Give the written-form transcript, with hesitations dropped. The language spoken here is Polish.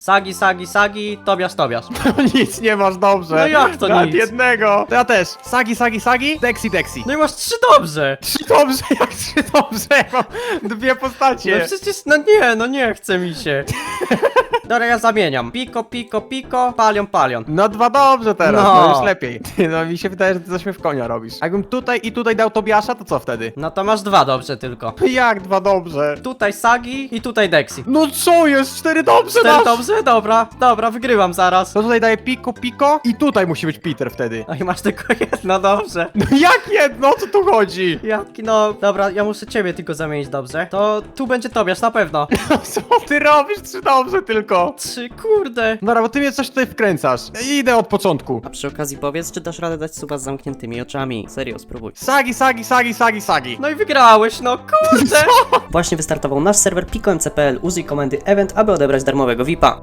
Sagi, Sagi, Sagi, Tobiasz, Tobiasz. Nic nie masz dobrze. No jak to Nawet nic? jednego. To ja też. Sagi, Sagi, Sagi, Dexi, Dexi. No i masz 3 dobrze. Trzy dobrze, jak trzy dobrze. Ja mam dwie postacie. No przecież, no nie chce mi się. Dobra, ja zamieniam. Piko, piko, piko, palion, palion. No dwa dobrze teraz, No. no już lepiej. Ty, no mi się wydaje, że ty coś mnie w konia robisz. Jakbym tutaj i tutaj dał Tobiasza, to co wtedy? No to masz 2 dobrze tylko. Jak dwa dobrze? Tutaj Sagi i tutaj Dexi. No co jest? Cztery dobrze 4 dasz? dobrze? Dobra, wygrywam zaraz. To tutaj daję piko, piko i tutaj musi być Peter wtedy. No i masz tylko jedno dobrze. No jak jedno? O co tu chodzi? Jaki no, dobra, ja muszę ciebie tylko zamienić dobrze. To tu będzie Tobiasz, na pewno. No co ty robisz? Trzy dobrze tylko. 3, kurde. Dobra, bo ty mnie coś tutaj wkręcasz. Idę od początku. A przy okazji powiedz, czy dasz radę dać suba z zamkniętymi oczami. Serio, spróbuj. Sagi, Sagi, Sagi, Sagi, Sagi. No i wygrałeś, no kurde. Właśnie wystartował nasz serwer pikomcpl. Użyj komendy event, aby odebrać darmowego VIPa.